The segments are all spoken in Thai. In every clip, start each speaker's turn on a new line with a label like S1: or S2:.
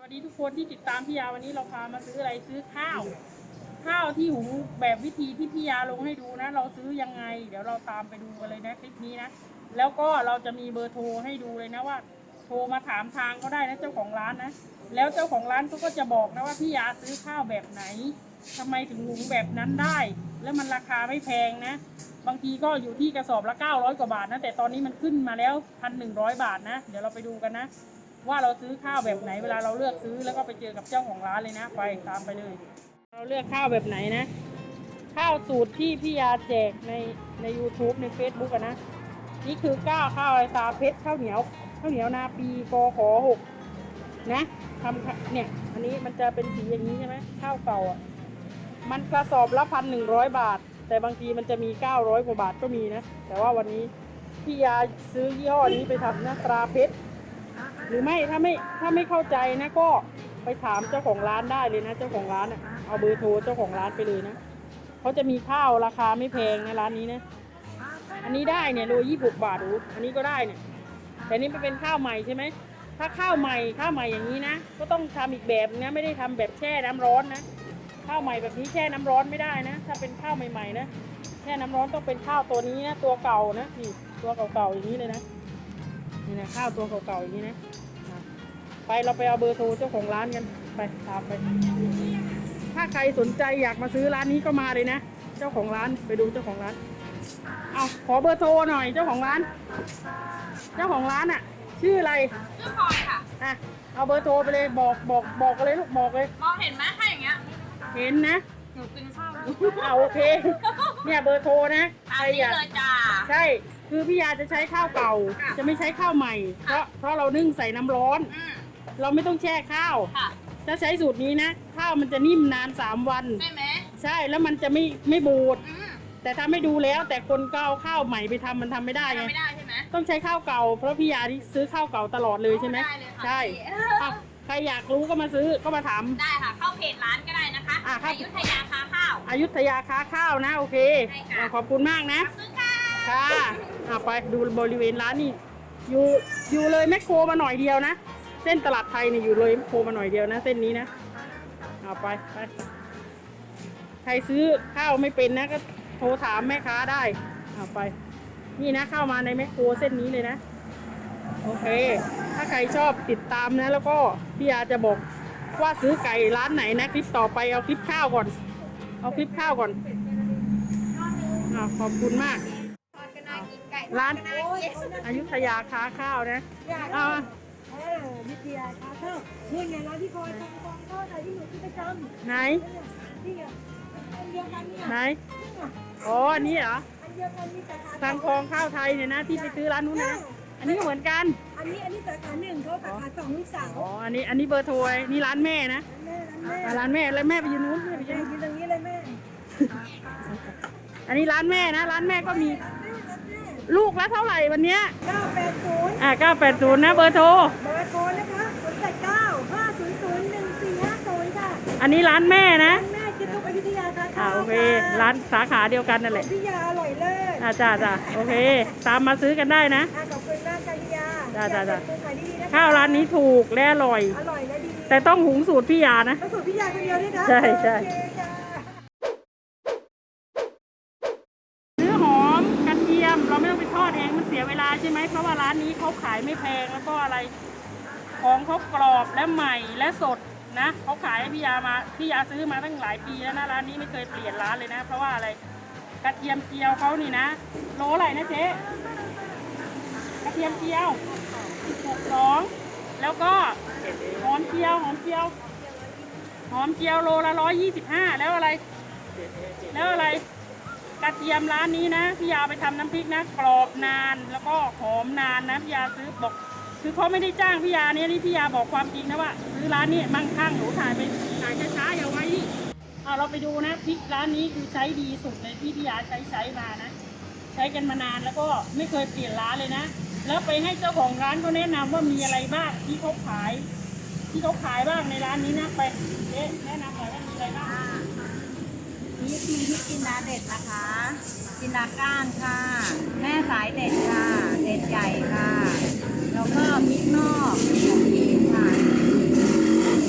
S1: วัสดีทุกคนที่ติดตามพี่ยาวันนี้เราพามาซื้ออะไรซื้อข้าวที่หุงแบบวิธีที่พี่ยาลงให้ดูนะเราซื้อยังไงเดี๋ยวเราตามไปดูกันเลยนะคลิปนี้นะแล้วก็เราจะมีเบอร์โทรให้ดูเลยนะว่าโทรมาถามทางก็ได้นะเจ้าของร้านนะแล้วเจ้าของร้านเขาก็จะบอกนะว่าพี่ยาซื้อข้าวแบบไหนทำไมถึงหุงแบบนั้นได้แล้วมันราคาไม่แพงนะบางทีก็อยู่ที่กระสอบละ900 กว่าบาทนะแต่ตอนนี้มันขึ้นมาแล้ว1,100 บาทนะเดี๋ยวเราไปดูกันนะว่าเราซื้อข้าวแบบไหนเวลาเราเลือกซื้อแล้วก็ไปเจอกับเจ้าของร้านเลยนะไปตามไปเลยเราเลือกข้าวแบบไหนนะข้าวสูตรที่พี่ยาแจกใน YouTube ใน Facebook อะนะนี่คือข้าวไอตาเพชรข้าวเหนียวนาปีกข6นะทำเนี่ยอันนี้มันจะเป็นสีอย่างนี้ใช่ไหมข้าวเก่าอ่ะมันกระสอบละ1,100 บาทแต่บางทีมันจะมี900 กว่าบาทก็มีนะแต่ว่าวันนี้พี่ยาซื้อยี่ห้อนี้ไปทำนะตราเพชรหรือไม่ถ้าไม่เข้าใจนะก็ไปถามเจ้าของร้านได้เลยนะเจ้าของร้านอ่ะเอาเบอร์โทรเจ้าของร้านไปเลยนะเขาจะมีข้าวราคาไม่แพงนะร้านนี้นะอันนี้ได้เนี่ยโล26 บาทอันนี้ก็ได้เนี่ยแต่นี่เป็นข้าวใหม่ใช่ไหมถ้าข้าวใหม่อย่างนี้นะก็ต้องทำอีกแบบนะไม่ได้ทำแบบแช่น้ำร้อนนะข้าวใหม่แบบนี้แช่น้ำร้อนไม่ได้นะถ้าเป็นข้าวใหม่ๆนะแช่น้ำร้อนต้องเป็นข้าวตัวนี้นะตัวเก่านะนี่ตัวเก่าๆอย่างนี้เลยนะนี่นะข้าวตัวเก่าๆอย่างนี้นะไปเราไปเอาเบอร์โทรเจ้าของร้านกันไปตามไปถ้าใครสนใจอยากมาซื้อร้านนี้ก็มาเลยนะเจ้าของร้านไปดูเจ้าของร้านเอาขอเบอร์โทรหน่อยเจ้าของร้านอ่ะชื่ออะไร
S2: ชื่อพลอยค่ะ
S1: อ่ะเอาเบอร์โทรไปเลยบอกกันเลยลูกบอกเลย
S2: มองเห็นไหมถ้าอย่างเงี้ย
S1: เห็นนะ
S2: หนูกินข้าว
S1: โอเคเนี่ยเบอร์โทรนะ
S2: ใครอยากเลยจ้า
S1: ใช่คือพี่ยาจะใช้ข้าวเก่าจะไม่ใช้ข้าวใหม่เพราะเรานึ่งใส่น้ำร้อนเราไม่ต้องแช่ข้าวถ้าใช้สูตรนี้นะข้าวมันจะนิ่มนาน3 วัน
S2: ใช่ไหม
S1: ใช่แล้วมันจะไม่บูดแต่ทำให้ดูแล้วแต่คนก็เอาข้าวใหม่ไปทำมันทำไม่ได้ไง
S2: ไม่ได้ใช่ไหม
S1: ต้องใช้ข้าวเก่าเพราะพี่ยาที่ซื้อข้าวเก่าตลอดเลยใช่ไหมใช่ใครอยากรู้ก็มาซื้อก็มาถาม
S2: ได้ค่ะเข้าเพจร้านก็ได้นะคะอยุธยาค้าข้าว
S1: อยุธยาค้าข้าวนะโอเคขอบคุณมากนะค่ะไปดูบริเวณร้านนี่อยู่เลยแมคโครมาหน่อยเดียวนะเส้นตลาดไทยเนี่ยอยู่เลยแมคโครมาหน่อยเดียวนะเส้นนี้นะไปใครซื้อข้าวไม่เป็นนะก็โทรถามแม่ค้าได้ไปนี่นะเข้ามาในแมคโครเส้นนี้เลยนะโอเคถ้าใครชอบติดตามนะแล้วก็พี่ยาจะบอกว่าซื้อไก่ร้านไหนนะคลิปต่อไปเอาคลิปข้าวก่อนขอบคุณมากร้านอยุธยาค้าข้าวนะ
S3: วิทยาค้าข้าวนี่ไงร้านที่คอยทำกองข้าวไทยที่หนูที่ประจำ
S1: ไหน
S3: นี่ไงอันเดียวกันเนี่ย
S1: ไหนอันนี้เหรอ
S3: อันเดียวกันมีสาขา
S1: ทางคลองข้าวไทยเนี่ยนะที่ไปซื้อร้านนู้นนะอันนี้ก็เหมือนกัน
S3: อันนี้สาขา1เขาสาขา2ลูกสาว
S1: อันนี้เบอร์โทรนี่ร้านแม่นะร้านแม่แล้วแม่ไปยืนนู้น
S3: ไปยืนตรงนี้เลยแม่
S1: อันนี้ร้านแม่นะร้านแม่ก็มีลูกละเท่าไหร่วันนี้
S3: 980
S1: 980นะเบอร์โทร
S3: นะคะ089 500 1450ค่ะ
S1: อันนี้ร้านแม่นะ
S3: แม่กินทุกอยุธยาค่ะ
S1: โอเคร้านสาขาเดียวกันนั่นแหละ
S3: พิยาอร่อยเลิศ
S1: จ้าโอเคตามมาซื้อกันได้นะ
S3: ขอบคุณมากค่ะพิยา
S1: จ้าข้าวร้านนี้ถูกและอร่อย
S3: และดี
S1: แต่ต้องหุงสูตรพี่ยานะ
S3: สูตรพิยาคนเดียวด้วยนะ
S1: ใช่ซื้อหอมกระเทียมเราไม่ต้องไปทอดเองมันเสียเวลาใช่ไหมเพราะว่าร้านนี้เขาขายไม่แพงแล้วก็อะไรของเขากรอบและใหม่และสดนะเขาขายให้พี่ยาซื้อมาตั้งหลายปีแล้วนะร้านนี้ไม่เคยเปลี่ยนร้านเลยนะเพราะว่าอะไรกระเทียมเจียวเขานี่นะโลอะไรนะเจ๊กระเทียมเจียว62แล้วก็หอมเจียวโลละ125แล้วอะไรกระเทียมร้านนี้นะพี่ยาไปทำน้ำพริกนะกรอบนานแล้วก็หอมนานนะพี่ยาซื้อบอกคือเขาไม่ได้จ้างพี่ยาเนี่ยนี่พี่ยาบอกความจริงนะว่าซื้อร้านนี้มั่งคั่งหนูถ่ายช้าอย่าไว้เราไปดูนะพริกร้านนี้คือใช้ดีสุดเลยที่พี่ยาใช้มานะใช้กันมานานแล้วก็ไม่เคยเปลี่ยนร้านเลยนะแล้วไปให้เจ้าของร้านเขาแนะนำว่ามีอะไรบ้างที่เขาขายบ้างในร้านนี้นะไปแนะนำหน่อยว่ามีอะไรบ้าง
S2: นี่มีพริกจินดาเด็ดนะคะจินดาก้านค่ะแม่สายเด็ดค่ะเด็ดใหญ่ค่ะแล้วก็พริกนอกของพีค่ะ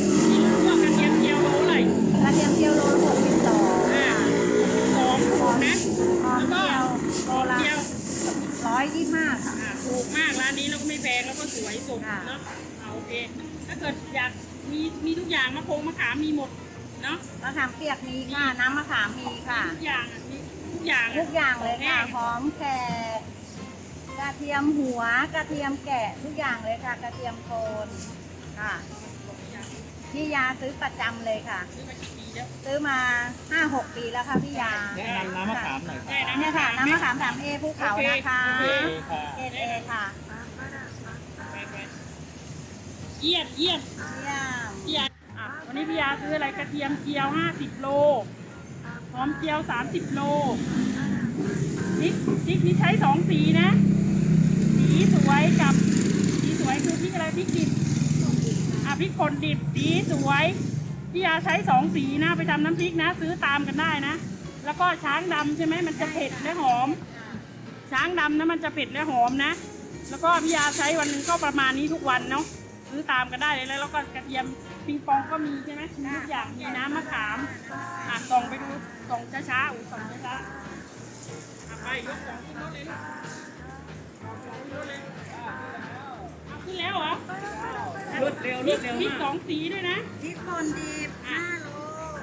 S1: ด
S2: ค่ะ
S1: เนาะโอเคถ้าเกิดอยากมีทุกอย่างมะขามมีหมดเนาะ
S2: มะขามเปียกมีค่ะ น้ำมะขามมีค่ะ
S1: ทุกอย่างมีทุกอย่าง
S2: ทุกอย่างเลยค่ะ
S1: ข
S2: ห
S1: อง
S2: อมแขกกระเทียมหัว กระเทียมแกะทุกอย่างเลยค่ะ กระเทียมโทนค่ะ พี่ยาซื้อประจำเลยค่ะ
S1: ซื้อมากี่ปีแล้ว
S2: ซื้อมา 5-6 ปีแล้วค่ะพี่ยา
S4: แนะนำน้ำมะขามหน่อยค
S1: ได้
S4: รับ
S1: นะ
S2: เนี่ยค่ะ น้ำมะขาม 3A ภูเขานะคะ
S1: โอเค
S4: ค่ะ
S2: เอค่ะ
S1: ไปเยี่ยม
S2: เยี่ยม
S1: พี่ยาวันนี้พี่ยาซื้ออะไรกระเทียมเจียว50 โลหอมเจียว30 โลพริกนี่ใช้2 สีนะ สีสวยกับสีสวยคือพริกอะไรพริกดิบพริกป่นดิบสีสวยพี่ยาใช้2 สีนะไปทำน้ำพริกนะ ซื้อตามกันได้นะ แล้วก็ช้างดำใช่ไหมมันจะเผ็ดและหอม ช้างดำนะมันจะเผ็ดและหอมนะ แล้วก็พี่ยาใช้วันหนึงก็ประมาณนี้ทุกวันเนาะซื้อตามกันได้เลยแล้วก็กระเทียมปิงปองก็มีใช่ไหมมีทุกอย่างมีน้ำมะขามส่องไปดูส่องช้าๆส่องช้าๆไปยกของขึ้นรถเลยลูกขึ้นแล้วเหรอ
S4: รวดเร็ว
S1: พริก
S4: มาก
S1: 2 สีด้วยนะ
S2: พริกป่นดิบ5 โล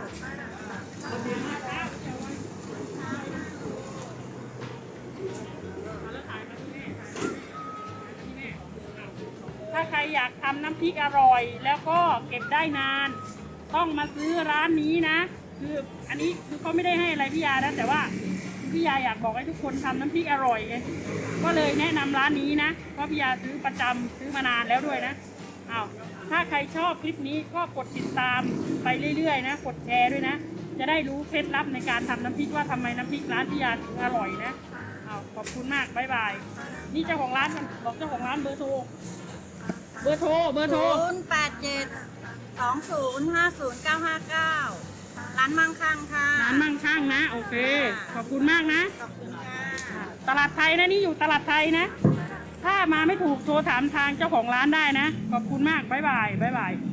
S1: ถ้าใครอยากทำน้ำพริกอร่อย แล้วก็เก็บได้นาน ต้องมาซื้อร้านนี้นะ คืออันนี้คือเขาไม่ได้ให้อะไรพี่ยานะแต่ว่าพี่ยาอยากบอกให้ทุกคนทำน้ำพริกอร่อยไงก็เลยแนะนำร้านนี้นะเพราะพี่ยาซื้อประจำซื้อมานานแล้วด้วยนะถ้าใครชอบคลิปนี้ก็กดติดตามไปเรื่อยๆนะกดแชร์ด้วยนะ จะได้รู้เคล็ดลับในการทำน้ำพริกว่าทำไมน้ำพริกร้านพี่ยาถึงอร่อยนะขอบคุณมากบ๊ายบายนี่เจ้าของร้านมันบอกเจ้าของร้านเบอร์โทร เบอร์โทร
S2: 087-2050-959 ร้านมั่งคั่งค่ะ
S1: ร้านมั่งคั่งนะ โอเค ขอบคุณมากนะ
S2: ขอบคุณค่ะ
S1: ตลาดไทยนะนี่อยู่ตลาดไทยนะ ถ้ามาไม่ถูกโทรถามทางเจ้าของร้านได้นะ ขอบคุณมาก บ๊ายบาย บ๊ายบาย